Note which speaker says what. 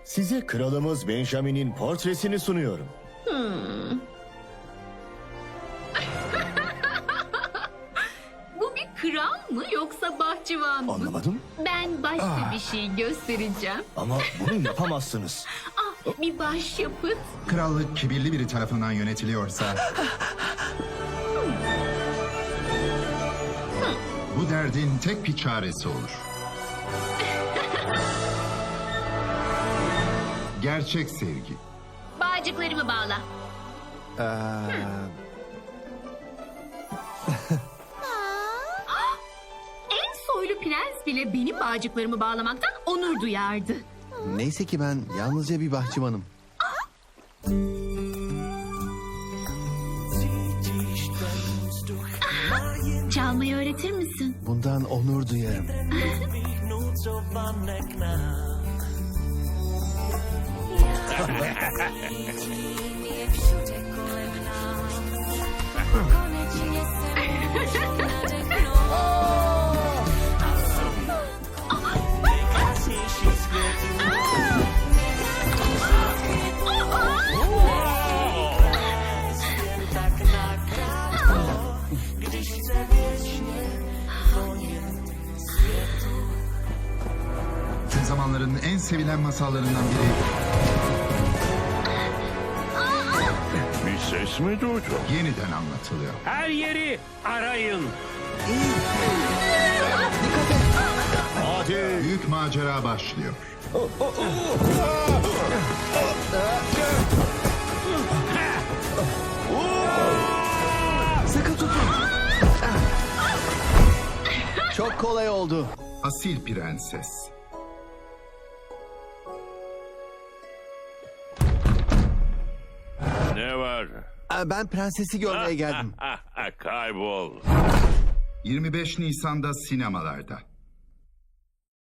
Speaker 1: Size kralımız Benjamin'in portresini sunuyorum.
Speaker 2: Bu bir kral mı yoksa bahçıvan mı?
Speaker 1: Anlamadım
Speaker 2: Ben başka bir şey göstereceğim.
Speaker 1: ama bunu yapamazsınız.
Speaker 2: Bir başyapıt.
Speaker 3: Krallık kibirli biri tarafından yönetiliyorsa... bu derdin tek bir çaresi olur. Gerçek sevgi.
Speaker 2: Bağcıklarımı bağla. En soylu prens bile benim bağcıklarımı bağlamaktan onur duyardı.
Speaker 4: Neyse ki ben yalnızca bir bahçıvanım.
Speaker 2: Çalmayı öğretir misin?
Speaker 4: Bundan onur duyarım.
Speaker 3: Tüm zamanların en sevilen masallarından biri.
Speaker 5: Bir ses mi duydun?
Speaker 3: Yeniden anlatılıyor.
Speaker 5: Her yeri arayın.
Speaker 1: Hadi.
Speaker 3: Büyük macera başlıyor.
Speaker 4: Sıkı tutun. Çok kolay oldu.
Speaker 3: Asil prenses.
Speaker 5: Ne var?
Speaker 4: Ben prensesi görmeye geldim.
Speaker 5: Kaybol.
Speaker 3: 25 Nisan'da sinemalarda.